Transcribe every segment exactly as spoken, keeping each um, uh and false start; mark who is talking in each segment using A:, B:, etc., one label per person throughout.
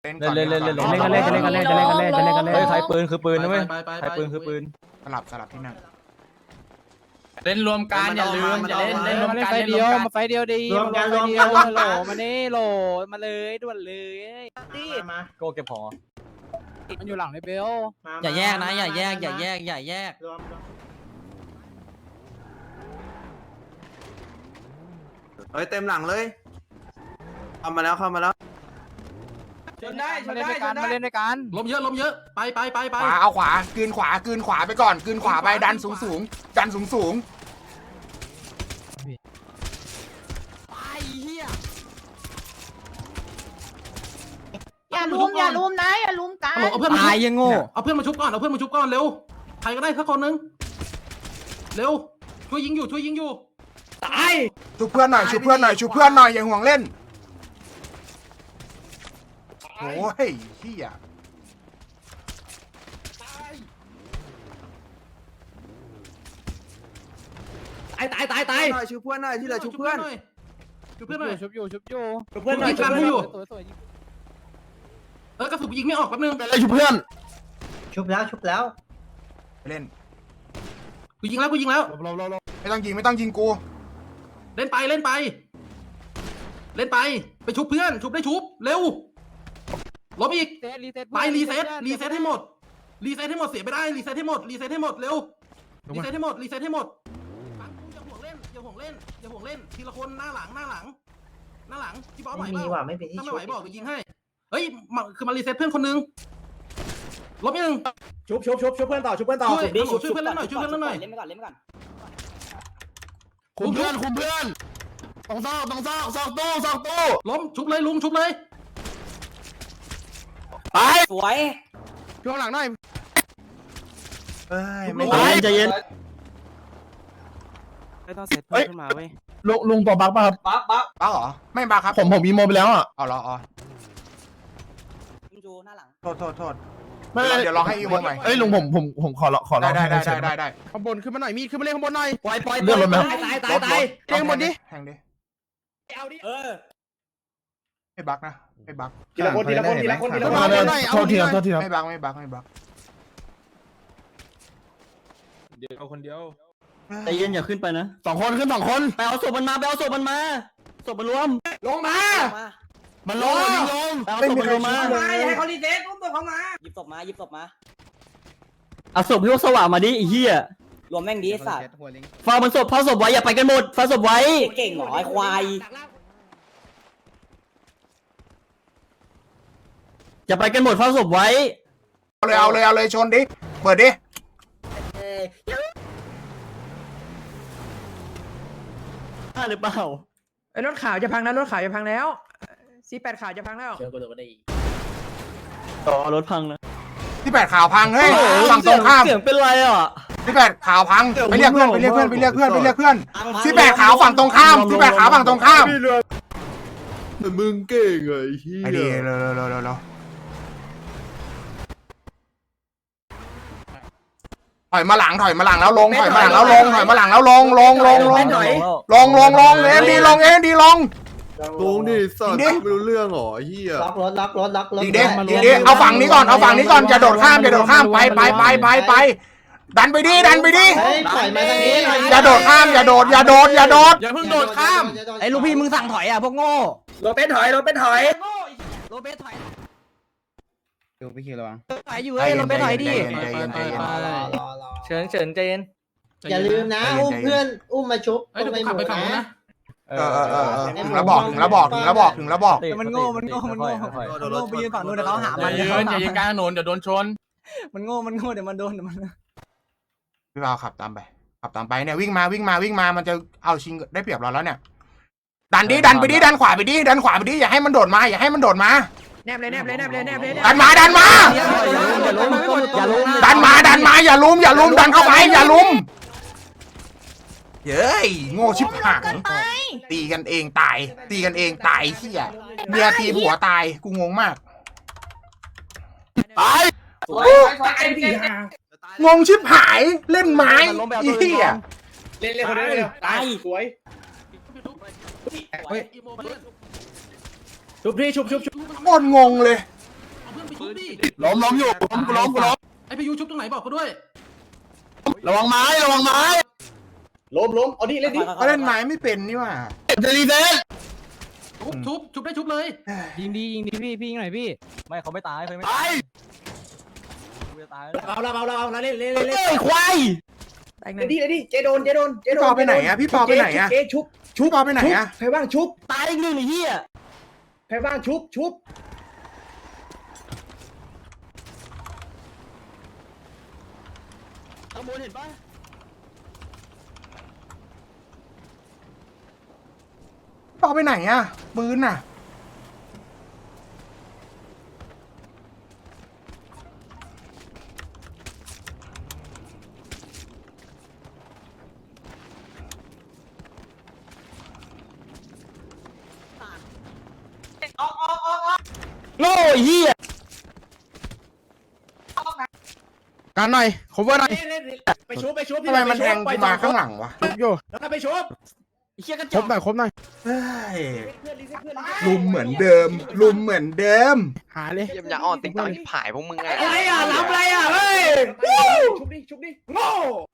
A: เล่นเล่นเล่นเล่น
B: เล่นกันเล่นกันเล่นกันเล่นกันเล่นกันเล่นกันเล่นกันเล่น
C: เฮ้ยใครปืนคือปืนนะเว้ย
D: ไปไป
C: ใครปืนคือปืน
A: สลับสลับที่นั่ง
D: เล่นรวมกันอย่าลืมอย่าเล่นเล่นรวม
B: มาเล่น
D: กัน
B: ไฟ
D: เล่นร
B: เดียว ว
D: มกัน
B: มาไฟเดียวดี
E: รวมกัน
B: รวม
E: รวมกัน
B: โหลมานี่โหลมาเลยด่วนเลยดิ
E: มา
C: โก้เก็บของ
B: มันอยู่หลังในเบล
F: อย่าแยกนะอย่าแยกอย่าแยกอย่าแยก
E: รวมรวม
G: เฮ้ยเต็มหลังเลยเข้ามาแล้วเข้ามาแล้ว
D: ชนได้ช
B: มาน เล่น
D: ได้
B: ด้วย
D: ช
B: กัน
D: นได้
B: มาเล่นด้วยกัน
D: ล้มเยอะล้มเยอะไปไปไปไป
A: ขวาเอาขวากลืนขวากลืนขวาไปก่อนกลืนขวาไปดันสูงสูงดันสูงสูง
H: อย่าลุมอย่าลุมนะอย่าลุมกัน
D: เอาเพื่อนมา
F: ตายยังโง่
D: เอาเพื่อนมาชุบก่อนเอาเพื่อนมาชุบก่อนเร็วใครก็ได้สักคนนึงเร็วช่วยยิงอยู่ช่วยยิงอยู่
F: ตาย
A: ชุบเพื่อนหน่อยชุบเพื่อนหน่อยชุบเพื่อนหน่อยอย่าห่วงเล่นโอ้ยเฮีย
F: ตายตายตายตาย
G: หน่อยชูเพื่อนหน่อยที่เหลือชูเพื่อน
D: ชุบเพื่อนหน่อย
B: ชุบอยู่ชุบอยู่
D: เพื่อนหน่อยชุบเพื่อนอยู่
B: สวยสวย
D: เออกระสุนยิงไม่ออกแป๊บนึง
G: ไปเลยชูเพื่อน
E: ชุบแล้วชุบแล้ว
A: ไปเล่น
D: กูยิงแล้วกูยิงแล้ว
A: ไม่ต้องยิงไม่ต้องยิงกู
D: เล่นไปเล่นไป เล่นไปไปชุบเพื่อนชุบได้ชุบเร็วล้มอีก
B: เซตรีเซ็ต
D: ไปรีเซ็ตรีเซ็ตให้หมดรีเซ็ตให้หมดเสียไม่ได้รีเซ็ตให้หมดรีเซ็ตให้หมดเร็วรีเซ็ตให้หมดรีเซ็ตให้หมดฟังกูอย่าห่วงเล่นอย่าห่วงเล่นอย่าห่วงเล่นทีละคนหน้าหลังหน้าหลัง หน้าหลังที่บอสไหว
E: ไม่
D: เป
E: มี
D: ล่า
E: ว่ะไม่มีที่
D: ถ้าไม่
E: ชุ
D: ไห
E: บ
D: วบอกจะยิงให้เฮ้ยมาคือมารีเซ็ตเพื่อนคนนึงลบอีกหนึ่ง
E: ชุบชุบชุบชุบเพื่อนต่อชุบเพื่อนต่อ
D: ช่วยช่วยช่วยเพื่อนเล่นหน่อยช่วยเพื่อนเล่นหน่อย
F: เล่นไปก่อนเล่นไปก่อน
G: คุมเพื่อนคุมเพื่อนตรงซอกตรงซอกซอกตู้ซอกตู้
D: ล้มชุบเลยลุงชุบเลย
G: ไป
F: สวย
G: ช่วงหลังหน่อย
A: เอ้ยไม่
G: ไปใจเย็น
B: ไม่ต้องเซตเพื่อนขึ้นมาเว้ย
G: ลุงลุงตัวบักป่ะครับ
F: ปั๊บปั๊บ
A: บ้าเหรอไม่บ้าครับ
G: ผมผมอีโมไปแล้วอ่ะ
A: เอาเหรออ๋อ
F: จูหน้าหลัง
A: โทษโทษโทษ
G: ไม่
A: เดี๋ยวลองให้อีโมใหม่
G: เอ้ยลุงผมผมผมขอขอ
A: ได้ได้ได้ได้ได้ได้
G: ข้างบนขึ้นมาหน่อยมีดขึ้นมาเล่นข้างบนหน่อย
F: ปล่อยปล่อย
G: เลื่อนรถไหม
F: ตายตายตายตาย
G: เรียงหมดดิ
A: แทงดิ
F: เอาดิเออ
A: ไม่บักนะไม่บัก
E: ทีละคนทีละคนทีละคนทีละคน
G: มาเลยโทษทีครับโทษทีครับ
A: ไม่บักไม่บักไม่บัก
C: เดียวคนเดียว
F: ใจเย็นอย่าขึ้นไปนะ
G: สองคนขึ้นสองคน
F: ไปเอาศพมันมาไปเอาศพมันมาศพมันรวม
E: ลงมา
G: มันลงยิงลง
F: ไปเอาศพมันรวมมา
E: ให้เขารีเซ็ตอุ้มตัวเขามา
F: หยิบศพมาหยิบศพมาเอาศพพี่พวกสว่างมาดิไอ้เหี้ยรวมแม่งดีไอ้สัตว์ฟามันศพเผาศพไว้อย่าไปกันหมดฟาศพไว้เก่งหรอไอ้ควายอย่าไปกันหมดเผาศพไว้
A: เอาเลยเอาเลยเอาเลยชนดิเปิดดิ
F: ได้หรือเปล่า
B: ไอ้รถขาวจะพังนะรถขาวจะพังแล้วซีแปดขาวจะพังแล้ว
F: ต่อรถพังนะ
A: ที่แปดข่าวพังเฮ้ยฝั่งตรงข้าม
F: เสียงเป็นไรอ่ะ
A: ที่แปดข่าวพังไปเรียกเพื่อนไปเรียกเพื่อนไปเรียกเพื่อนไปเรียกเพื่อนที่แปดขาวฝั่งตรงข้ามที่แปดขาวฝั่งตรงข้าม
G: แต่มึงเก่งไอ้เหี้ย
A: ไอ้ดีเร็วเร็วเร็วเร็วเร็วถอยมาหลังถอยมาหลังแล้วลงถอยมาหลังแล้วลงถอยมาหลังแล้วลงลงลงลงลงลงลงลงเอ็มดีลงเอ็มดีลง
G: ลงดิสัตว์
A: จริงดิ
G: ไม่รู้เรื่องหรอไอ้เหี้ย
E: ล็อกรถล็อกรถล็อกรถ
A: ดีเด้ดีเด้เอาฝั่งนี้ก่อนเอาฝั่งนี้ก่อนอย่าโดดข้ามอย่าโดดข้ามไปไปไปไปไปดันไปดิดันไปดิ
E: เฮ้ยถอยมาทางนี้หน่อย
A: อย่าโดดข้ามอย่าโดดอย่าโดดอย่าโดด
D: อย่าเพิ่งโดดข้าม
F: ไอ้ลูกพี่มึงสั่งถอยอ่ะพวกโง่
E: รถเป็นถอยรถเป็นถอย
F: โรเบสถอย
C: ดูพี่คิวระวัง
F: ถอยอยู่เอ้ยโรเบสถอยดิ
A: ใจเย็นใจเย็นใจเย็น
E: รอรอรอรอ
F: เฉินเฉินใจเย็น
E: อย่าลืมนะอุ้มเพื่อนอุ้มมาชุบ
D: เฮ้ยเดี๋ยวกูขับไปฝั่งนู้นนะ
A: เออเออเออถึงแล้วบอกถึงแล้วบอกถึงแล้วบอกถึงแล้วบอก
F: มันโง่มันโง่มันโง่มันโง่ไปยืนฝั่งนู้นเดี๋ยวเขาหา
D: อ
F: มั
D: ย่าน ยืนอย่ายืนกลางถนนเดี๋ยวโดนชน
F: มันโง่มันโง่เดี๋ยวมันโดนเดี๋ยวมัน
A: พี่บ่าวขับตามไปขับตามไปเนี่ยวิ่งมาวิ่งมาวิ่งมามันจะเอาชิงได้เปรียบเราแล้วเนี่ยดันดิดันไปดิดันขวาไปดิดันขวาไปดิอย่าให้มันโดดมาอย่าให้มันโดดมา
B: แนบเลยแนบเลยแนบเลยแนบเลย
A: ดันมาดันมา
F: อย่าล้มอย่าล้ม
A: ดันมาดันมาอย่าลุมอย่าลุมดันเข้าไปอย่าลุมเย้ยโง่ชิบหายตีกันเองตายตีกันเองตายเหี้ยเมียตีผัวตายกูงงมาก
G: ตาย
E: ตายดิ
A: งงชิบหายเล่นไม้เหี้ย
E: เล่นเล่นคนเดียวตายสวย
D: เฮ้ยอีโมเพื่อน
E: ชุบพี่ชุบชุบชุบ
A: โคตรงงเลย
D: ชุบดิ
C: ล้มล้มอยู่ล้มกูล้มกูล้ม
D: ไอพียูชุบตรงไหนบอกกูด้วย
C: ระวังไม้ระวังไม้
E: ล้มล้มเอาดิเล่นดิ
A: ก็เล่นไม้ไม่เป็นนี่หว่า
C: จะรีเซ็ต
D: ชุบชุบชุบได้ชุบเลย
B: ยิงดียิงดีพี่พี่ยิงหน่อยพี่
F: ไม่เขาไม่ตายเขาไม่
C: ไป
F: ตายไม่ตาย
E: เอาละเอาละเอาละเล่นเล่นเล่น
F: เฮ้ยควาย
B: แตกห
E: เล่
B: นึ่
E: น
B: ง
E: ดิเล่นดิเจโดนเจโดนเจ
A: พี่
E: โด
A: ปอน ไปไหนอะพี่ปอไปไหนอะ
E: เจชุบ
A: ชุบปอไปไหนอะ
E: ใครว่างชุบ
F: ตายอีกหนึ่งไอ้เหี้ย
E: ใครว่างชุบชุบ
F: ข้างบนเห็นปะ
A: ปอไปไหนอะปืนน่ะ
F: โง่ไอ้เหี้ย
C: การหน่อยขอเวอร์หน่อย
E: เล่นไปชุบไปชุบ
A: ทำไมมันแทงกูมาข้างหลังวะ
C: อยู่
E: แล้วไปชุบ
F: ไอ้เหี้ยกระจ
C: คร
F: อบ ก
C: หน่อยครบหน่อย
A: เฮ้ย
E: เพื่อนรีเซ็ตเพื่อน
A: ลุมเหมือนเดิม ลุมเหมือนเดิม
C: หาเลย
I: เยี่ยมยาอ่อนติ๊งต่างที่ผายพวกมึงไง
E: อะไรอ่ะรับอะไรอ่ะเฮ้ยชุบดิชุบดิโง่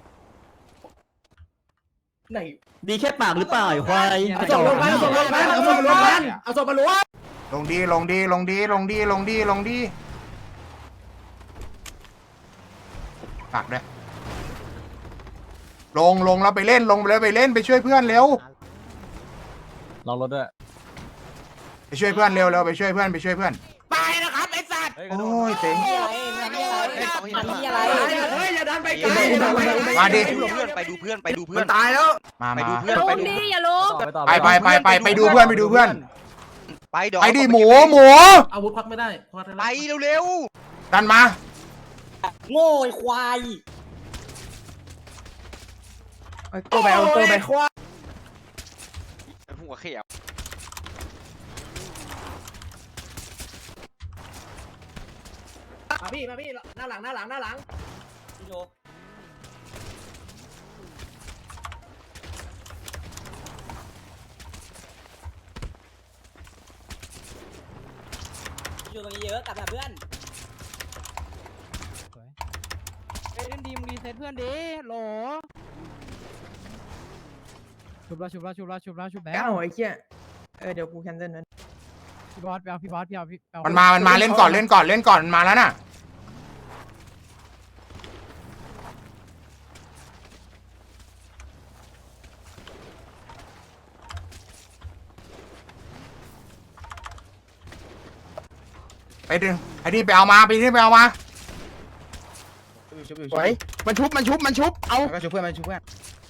E: ไหน
F: ดีแค่ปากหรือเปล่าไอ้ควายก
E: เอา
F: ระ
E: ศ
F: จอ
E: พ
F: ก
E: ลงมาเอาศพลงมาเอาศพลงมาเอาศพมาล้วง
A: ลงดีลงดีลงดีลงดีลงดีลงดีฝากด้วยลงลงแล้วไปเล่นลงแล้วไปเล่นไปช่วยเพื่อนเร็ว
F: ลองรถด้วย
A: ไปช่วยเพื่อนเร็วเร็วไปช่วยเพื่อนไปช่วยเพื่อน
E: ไปนะครับไอ้สัตว์
A: โอ้ยเต็ง
E: เฮ้ยอย่าดันไปไกล
A: มาดิ
I: ไปดูเพื่อนไปดูเพื่อนไปดูเพื่อน
C: ตายแล้ว
A: มา
I: ไป
A: มา
I: ดูเพื่อน
H: ลุ
I: ไป
H: ม
I: ดู
H: ดิอย่าลุม
A: ไปไปไปไปไปดูเพื่อนไปดูเพื่อน
I: ไปดอก
A: ไปดิหมูหมู
D: อาวุธควักไม่ได้ควักได้
I: ไปเร็ว
A: ดันมา
F: โง่ไอ้ควาย
B: เอาตัวไปเอาตัวไป
I: ๆหัวเขียว
E: มาพี่มาพี่หน้าหลังหน้าหลังหน้าหลัง
F: พี่โชอยู่ตรงนี้เยอะกลับมาเพื่อน
B: เล่นดีมึงรีเซ็ตเพื่อนดิโหลชุบแล้วชุบแล้วชุบแล้วชุบแล้วชุบแล้วเก้าไอ้เหี้ยเออเดี๋ยวกูแคนเซิลนั้นพี่บอสไปเอาพี่บอสพี่เอาพี่เอา
A: มันมามันมาเล่นก่อนเล่นก่อนเล่นก่อนมันมาแล้วน่ะไปดึงไอ้นี่ไปเอามาไปนี่ไปเอามา
C: สวยมันชุบมันชุบมันชุบเอาก็ชุบเพื่อนมันชุบเพื่อน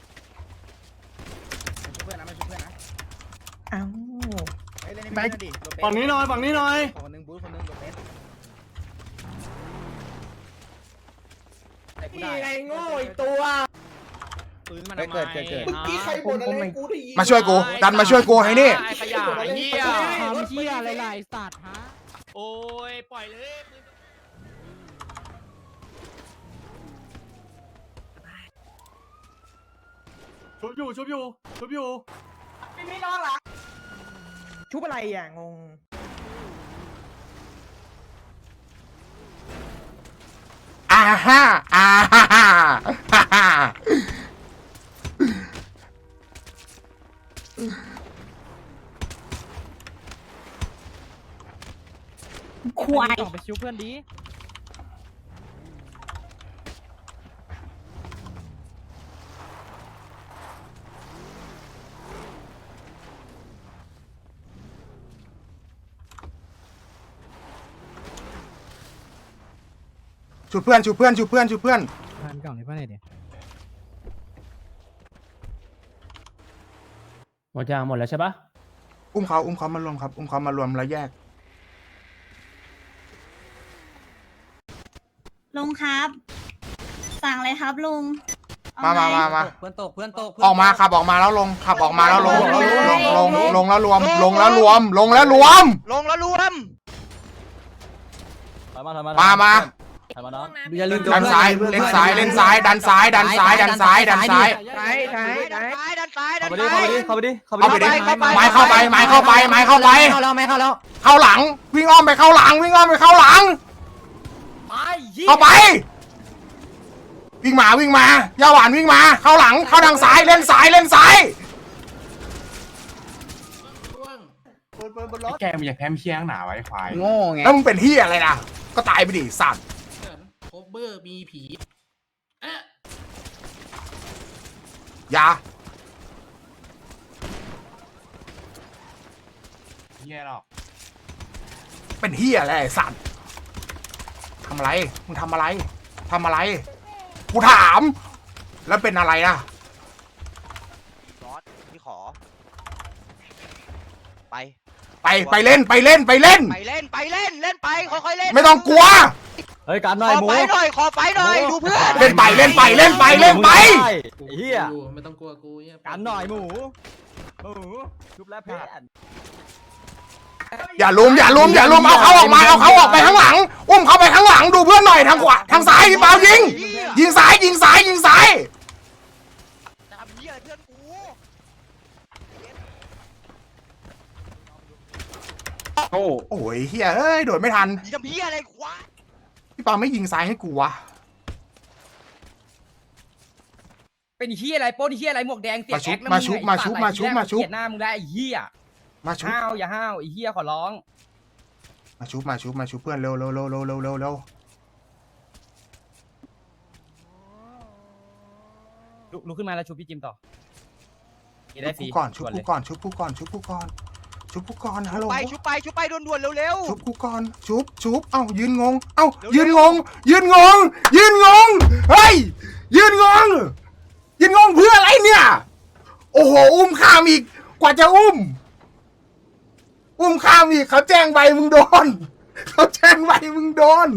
C: ชุบเพื่อนนะมันชุบเพื่อนนะ
B: เอ้า
C: ไปฝั่งนี้หน่อยฝั่งนี้หน่อยคนนึงบู๊คนนึงโดนเล่น
E: นี่ไงโง่อีกตัว
C: เกิดเกิดเกิด
E: เมื่อกี้ใครบ่นอะไรกูได้ยิน
A: มาช่วยกูดันมาช่วยกูให้นี่
E: ขยะเหี้ย
B: ทำเหี้ยอะไรล่ะไอ้สัตว์ฮะ
C: โอ้ยปล่อยเลย
D: ชุบอยู่ชุบอยู่ชุบอยู่
B: ชุบอะไรอ่ะงง
A: อ่าฮ่าอ่าฮ่าฮ่าฮ่าฮ่า
B: ควายไปชุบเพื่อนดิ
A: ชุบเพื่อนชุบเพื่อนชุบเพื่อนชุบเพื่อน
B: พันกล่องในเพื่อนไหนเดี๋ยว
F: หมดยางหมดแล้วใช่ปะ
A: อุ้มเขาอุ้มเขามารวมครับอุ้มเขามารวมแล้วแยก
H: ลุงครับ สั่งเลยครับลุงเอ
A: มา
H: ไห
A: มามามา
F: เพื่อนตกเพื่อนตก
A: ออกมาขับออกมาแล้วลงขับออกมาแล้วลงลงลงลงลงแล้วรวม ลงแล้วรวม ลงแล้วรวม
I: ลงแล้วรวม
F: ถอยมาถอยมา
A: มามา
F: ถอยมาน้อง
H: อย่าลืม
A: ดันซ้ายเล่นซ้ายเล่นซ้ายดันซ้ายดันซ้ายดันซ้ายดันซ้าย
B: ซ้ายซ้าย
I: ดัน
B: ซ้าย
I: ซ้ายดันซ้ายดั
F: เข้าน ไปดิ
I: ซ้าย
F: เข้าไปดิเข้าไปดิ
A: เข้าไปดิ
I: เข้าไป
A: ไม้เข้าไปไม้เข้าไปไม้เข้าไป
B: เข้าแล้วไม่เข้าแล้ว
A: เข้าหลัง วิ่งอ้อมไปเข้าหลัง วิ่งอ้อมไปเข้าหลังเข้าไปวิ่งมาวิ่งมาย่าหวานวิ่งมาเข้าหลังเข้าทางซ้ายเล่นซ้ายเล่นซ้าย
C: แกมึงอยากแพ้ไม่เชี่ยงหนาไว้ควาย
B: โง่ไง
A: แล้วมึงเป็นเฮียอะไรนะก็ตายไปดิสัตว์
D: โคเบอร์มีผีเอ๊ะ
A: อย่า
C: เฮียหรอก
A: เป็นเฮียอะไรไอ้สัตว์ทำอะไรมึงทำอะไรทำอะไรกูถาม แล้วเป็นอะไรนะ
I: รอดพี่ขอ ไป
A: ไปไปเล่นไปเล่นไปเล่น
I: ไปเล่นไปเล่นเล่นไปค่อยๆเล่น
A: ไม่ต้องกลัว
F: เฮ้ยการห
I: ข
F: น่อย
I: อ
F: หมู
I: ไปหน่อยขอไปหน่อยดูเพื่อน
A: เล่นไปเล่นไปเล่นไปเล่นไป
F: เฮีย
D: กูไม่ต้องกลัวกูเหี้ย
F: การหน่อยหมูหมูชุบแล้วเพื่อน
A: อย่าลุมอย่าลุมอย่าลุมเอาเขาออกมาเอาเขาออกไปข้างหลังอุ้มเขาไปข้างหลังดูเพื่อนหน่อยทางขวาทางซ้ายพี่เปายิง ยิงซ้ายยิงซ้ายยิงซ้าย
I: ทำเหี้ยอะไรเพื่อนกู
C: โอ้
A: โอ้ยเฮียเอ้ยโดดไม่ทัน
I: ยิงทำเหี้ยอะไรควาย
A: พี่เปาไม่ยิงซ้ายให้กูวะ
B: เป็นเฮียอะไรโป้นเฮียอะไรหมวกแดงเสีย
A: มาชุบ
B: แอคแล้ว
A: มาชุบ
B: งไง
A: มาชุบมาชุบมาชุบ
B: เกลียดหน้ามึงได้ไอ้เฮีย
A: มาชุบ
B: ห้าวอย่าห้าวไอ้เฮียขอร้อง
A: มาชุบมาชุบมาชุบเพื่อนเร็วเร็วเร็วเร็วเร็วเร็วเร็ว
B: ลุกลุกขึ้นมาแล้วชุบพี่จิมต่อ
A: ชุบกูก่อนชุบกูก่อนชุบกูก่อนชุบกูก่อนชุบกูก่อนฮัลโหล
I: ไปชุบไปชุบไปด่วนๆเร็ว
A: ชุบกูก่อนชุบชุบเอ้ายืนงงเอ้า
I: เร็วๆ
A: ยืนงง ยืนงง ยืนงงเฮ้ยยืนงง ยืนงงเพื่ออะไรเนี่ย โอ้โหอุ้มข้ามอีกกว่าจะอุ้ม อุ้มข้ามอีกเขาแจ้งใบมึงโดนเขาแจ้งใบมึงโดน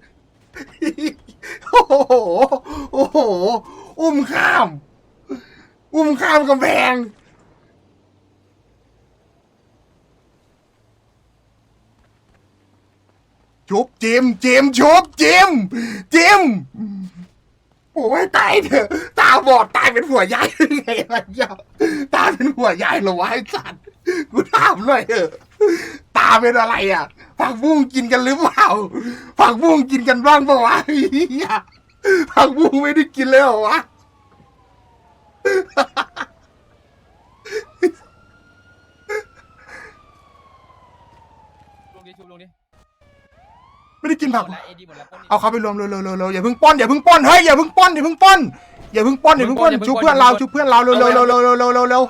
A: โอ้โหโอ้โหอุ้มข้าม อุ้มข้ามกำแพง ชุบจิมจิมชุบจิมจิมโอ้ยตายเถอะตาบอดตายเป็นหัวยายยังไงล่ะเจ้าตาเป็นหัวยายเหรอวะไอ้สัตว์กูถามหน่อยเถอะตาเป็นอะไรอ่ะผักบุ้งกินกันหรือเปล่าผักบุ้งกินกันบ้างปะวะไอ้เหี้ยผักบุ้งไม่ได้กินเลยเหรอวะ
B: ลงดิชุบลงดิ
A: ไม่ได้กินผัก
B: หมดแล้วเอดีหมดแล้วปล้นดิ
A: เอาเขาไปรวมเร็วเร็วเร็วเร็วอย่าเพิ่งป้อนอย่าเพิ่งป้อนเฮ้ยอย่าเพิ่งป้อนอย่าเพิ่งป้อนอย่าเพิ่งป้อนอย่าเพิ่งป้อนชุบเพื่อนเราชุบเพื่อนเราเร็วเร็วเร็วเร็วเร็วเร็วเร็วเร็ว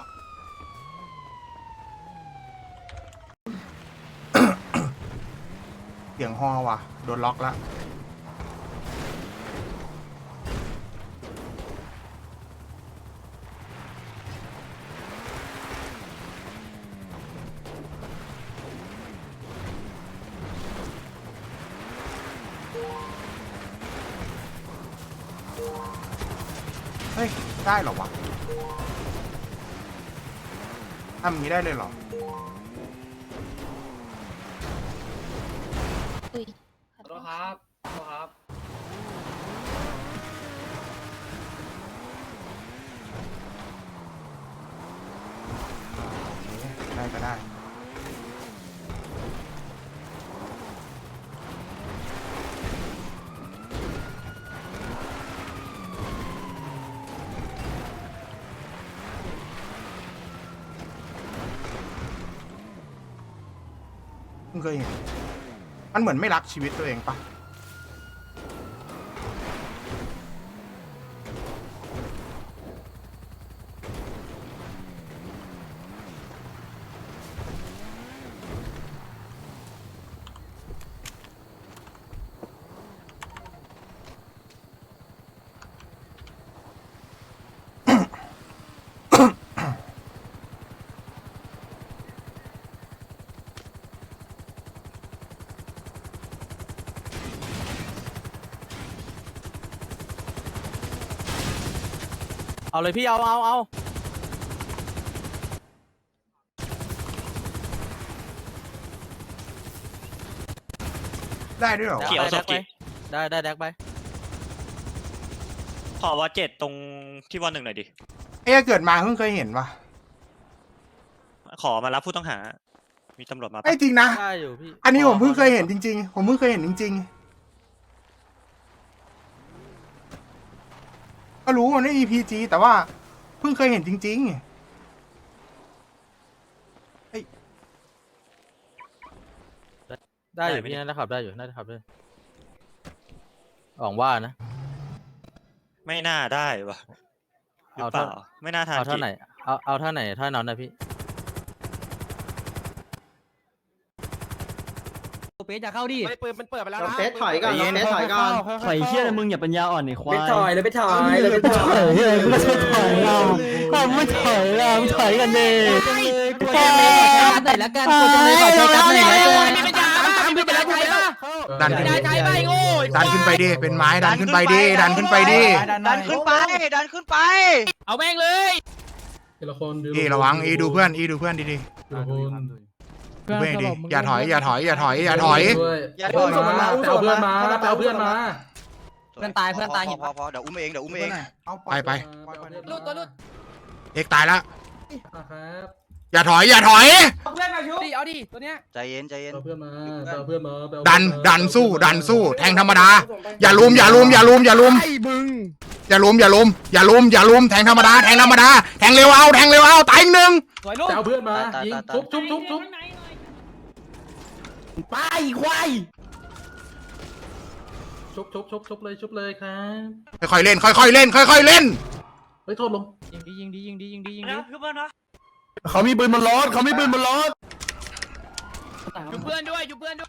A: เสียงฮอว่ะโดนล็อกแล้วเฮ้ยได้เหรอวะทำอย่างนี้ได้เลยเหรอ
H: อุ้ย
E: ขอโทษครับขอโทษครับ
A: ได้ก็ได้มึงเคยเห็นมันเหมือนไม่รักชีวิตตัวเองปะ
F: เอาเลยพี่เอาเอาเอา
A: ได้ด้วยเหรอวะ
F: เขียวสดกิได้ได้แดกไป
J: ขอว่าเจ็ดตรงที่วันหนึ่งหน่อยดิ
A: เอ๊ะเกิดมาเพิ่งเคยเห็นปะ
J: ขอมารับผู้ต้องหา มีตำรวจมาปะ
A: ไอ้จริงนะ
F: ได้อยู่พี่
A: อันนี้ผมเพิ่งเคยเห็นจริงๆ ผมเพิ่งเคยเห็นจริงก็รู้มันไม่มีพีจีแต่ว่าเพิ่งเคยเห็นจริงๆ
J: ได้อยู่พี่น่าจะขับได้อยู่น่าจะขับได้หวังว่านะ ไม่น่าได้วะหรือเปล่าไม่น่าทาน
F: เอาเท่าไหนเอาเอาเท่าไหนเท่านั้นนะพี่เป๊ะจะเข้าดิ
C: ปืนมันเปิดไปแล้ว
G: เรา
C: นะ
G: เฟสถอยก่อนเราเฟสถอยก่อน
F: ถอยเชี่ยมึงอย่าปัญญาอ่อนไอ้ควาย
G: ไปถอยเลยไปถอยเลยไปถอย
F: เฮ้ยมึงก็ถอยเราถ้าไม่ถอยเราถอยกันดิกูจะไม่ขอใช้กัดหน่อยละกันกูจะไม่ขอใช้กัดหน่อยละกัน
A: ดันขึ้นดันขึ้นไปดิเป็นไม้ดันขึ้นไปดิดันขึ้นไปดิ
I: ดันขึ้นไปดันขึ้นไป
B: เอาแม่งเลย
A: เอระวังเอดูเพื่อนเอดูเพื่อนดีๆดูเพื่อนดิอย่าถอยอย่าถอยอย่าถอยอย่าถอย
I: อย่าถอย
G: เอาเพื่อนมาเอาเพื่อนมา
F: เพื่อนตายเพื่อนตาย
I: พอพอพอเดี๋ยวอุ้มเองเดี๋ยวอุ้มเอง
A: ไปไป
B: ลุดตัวลุด
A: เอกตายแล้วอย่าถอยอย่าถอย
B: ดิเอาดิตัวเนี้ย
I: ใจเย็นใจเย็น
G: เอาเพื่อนมาเอาเพื่อนมา
A: ดันดันสู้ดันสู้แทงธรรมดาอย่าลุมอย่าลุมอย่าลุมอย่าลุมอย่าลุมอย่าลุมอย่าลุมอย่าลุมแทงธรรมดาแทงธรรมดาแทงเร็วเอาแทงเร็วเอาตายอีกหนึ่ง
B: สวยลุด
G: เอาเพื่อนมายิงทุบทุบทุบทุบ
F: ไปควาย
G: ชุบชุบชุบชุบเลยชุบเลยครับ
A: ค่อยๆเล่นค่อยๆเล่นค่อยๆเล่น
G: เฮ้ยโทษลง
B: ยิงดียิงดียิงดียิงดียิงดี
G: เขามีปืนบนรถเขามีปืนบนรถ
B: อยู่เพื่อนด้วยอยู่เพื่อนด้วย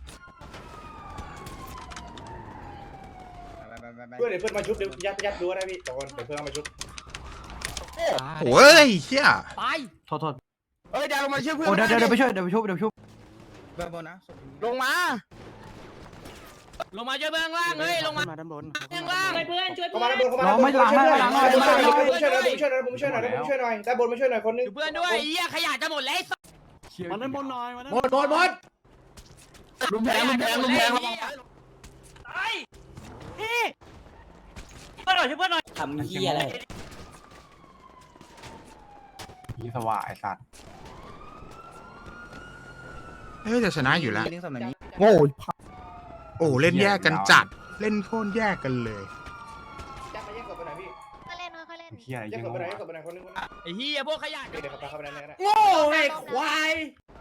E: เพื่อนเดี๋ยวเพื่อนมาชุบเดี๋ยวยัดยัดดูนะพี่ตอนเดี๋ยวเพื่อนเอามาชุบ
A: โอ้ยเฮีย
B: ตาย
G: โทษโทษ
C: เฮ้ยเดี๋ยวลงมาช่วยเพื่อน
B: โอ้เดี๋ยวเดี๋ยวไปช่วยเดี๋ยวไปช่วยเดี๋ยวไปช่วย
C: แบบบนนะ
B: ลงมาลงมาช่วยเบื้องล่างเฮ้ยลงมา
C: มาด้านบน
B: เบื้องล่าง
H: ช่วยเพื่อนช่วย
E: เข้า
H: เพื่
E: มา
H: อน
E: ด้านบนเข้ามาด้านบนช่วยหน่อยช่วยหน่อยผมช่วยหน่อยผมช่วยหน่อยผมช่วยหน่อยด้านบนมาช่วยหน่อยคนนึง
B: อยู่เพื่อนด้วยไอ้เหี้ยขยะจะหมดแล้ว
C: มาด้านบนหน่อยมาด้าน
E: หมดหมดหมด
B: ลุมแพงลุมแพงลุมแพง
F: ทำเหี้ยอะไร
C: ยี่สว่าไอ้สัตว์
A: เฮ้ยจะชนะอยู่แล้ว
C: เรื่องสำนักนี้
A: โง่โอ้เล่นแยกกันจัดเล่นโคตรแยกกันเลย
E: ยัดไปยัดกบไปไหนพี่
H: ค่อยเล่นค่อยเล่น
C: เฮีย
E: ยัดกบไปไหนยัดกบไปไหนคนนึงคนนึง
B: ไอ้เหี้ยพวกขยะ
E: เดี๋ยวขับไปขับไปไหนก็ได้
B: โง่ไอ้ควาย